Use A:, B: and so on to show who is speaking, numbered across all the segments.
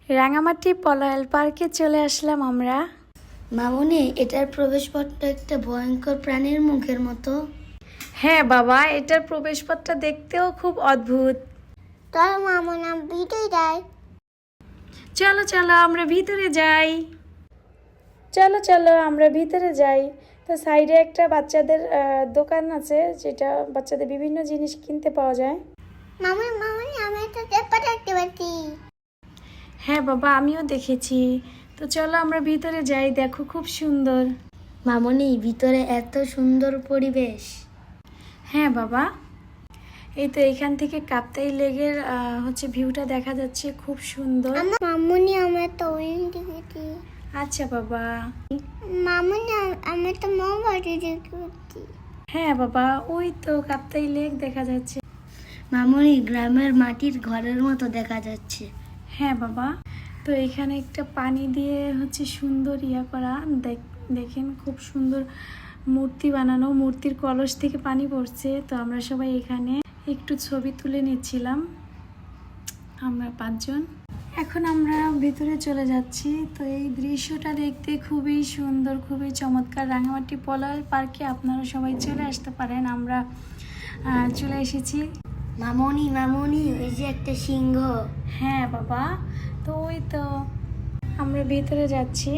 A: রাঙামাটি পলায়াল পার্কে চলে আসলাম আমরা।
B: মামুনি, এটার প্রবেশপথটা একটা ভয়ঙ্কর প্রাণীর মুখের মতো।
A: হ্যাঁ বাবা, এটার প্রবেশপথটা দেখতেও খুব অদ্ভুত।
B: তার মামুনা ভিতরে যায়।
A: চলো চলো আমরা ভিতরে যাই। চলো চলো আমরা ভিতরে যাই। তো সাইডে একটা বাচ্চাদের দোকান আছে, যেটা বাচ্চাদের বিভিন্ন জিনিস কিনতে পাওয়া যায়।
B: মামুনি মামুনি, আমি একটা পেপার দেখতে পাচ্ছি।
A: হ্যাঁ বাবা, আমিও দেখেছি। তো চলো আমরা ভিতরে যাই, দেখো খুব সুন্দর।
B: মামুনি, ভিতরে এত সুন্দর পরিবেশ।
A: হ্যাঁ বাবা, এই তো এখান থেকে কাপ্তাই লেকের ভিউটা দেখা যাচ্ছে, খুব সুন্দর।
B: মামুনি, আমরা তো ওইন দেখেছি।
A: আচ্ছা বাবা।
B: মামুনি, আমি তো মোমবাতি দেখতে পাচ্ছি।
A: হ্যাঁ বাবা, ওই তো কাপ্তাই লেক দেখা যাচ্ছে।
B: মামুনি, গ্রামের মাটির ঘরের মতো দেখা যাচ্ছে।
A: হ্যাঁ বাবা, তো এখানে একটা পানি দিয়ে সুন্দর করা, দেখেন খুব সুন্দর মূর্তি বানানো, মূর্তির কলস থেকে পানি পড়ছে। তো আমরা সবাই এখানে একটু ছবি তুলে নিচ্ছিলাম, আমরা 5 জন। এখন আমরা ভিতরে চলে যাচ্ছি। তো এই দৃশ্যটা দেখতে খুবই সুন্দর, খুবই চমৎকার। রাঙামাটি পলায়াল পার্কে আপনারা সবাই চলে আসতে পারেন, আমরা চলে এসেছি।
B: মামুনি মামুনি, ওই যে একটা সিংহ।
A: হ্যাঁ বাবা, তো ওই তো আমরা ভিতরে যাচ্ছি।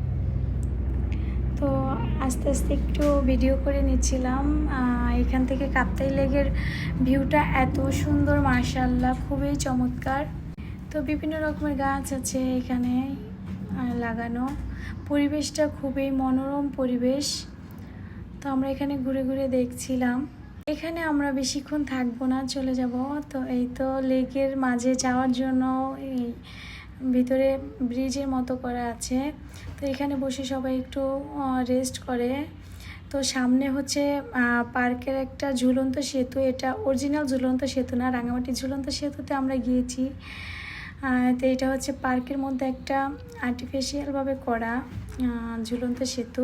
A: তো আস্তে আস্তে একটু ভিডিও করে নিচ্ছিলাম। এখান থেকে কাপ্তাই লেকের ভিউটা এত সুন্দর, মাশাআল্লাহ, খুবই চমৎকার। তো বিভিন্ন রকমের গাছ আছে এখানে লাগানো, পরিবেশটা খুবই মনোরম পরিবেশ। তো আমরা এখানে ঘুরে ঘুরে দেখছিলাম। এখানে আমরা বেশিক্ষণ থাকবো না, চলে যাব। তো এই তো লেকের মাঝে যাওয়ার জন্য এই ভিতরে ব্রিজের মতো করা আছে। তো এখানে বসে সবাই একটু রেস্ট করে। তো সামনে পার্কের একটা ঝুলন্ত সেতু, এটা অরিজিনাল ঝুলন্ত সেতু না, রাঙামাটি ঝুলন্ত সেতুতে আমরা গিয়েছি। তো এটা পার্কের মধ্যে একটা আর্টিফিশিয়ালভাবে করা ঝুলন্ত সেতু।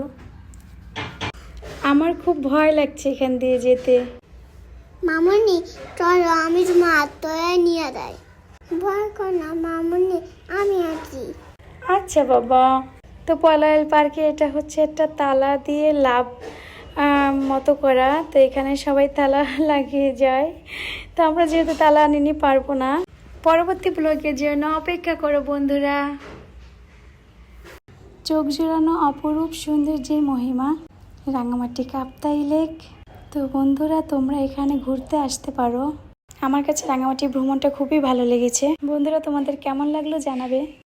A: আমার খুব ভয় লাগছে এখান দিয়ে যেতে।
B: মামুনি, চলো আমি তোমার আত্মীয় নিয়ে যাই। ভয় কর না মামুনি, আমি আছি।
A: আচ্ছা বাবা। তো পলায়াল পার্কে এটা একটা তালা দিয়ে লাভ মতো করা। তো এখানে সবাই তালা লাগিয়ে যায়। তো আমরা যেহেতু তালা আনিনি, পারবো না। পরবর্তী ব্লগের জন্য অপেক্ষা করো বন্ধুরা। চোখ জোড়ানো অপরূপ সৌন্দর্যের মহিমা রাঙামাটি কাপ্তাই লেক। তো বন্ধুরা, তোমরা এখানে ঘুরতে আসতে পারো। আমার কাছে রাঙামাটি ভ্রমণটা খুবই ভালো লেগেছে। বন্ধুরা, তোমাদের কেমন লাগলো জানাবে।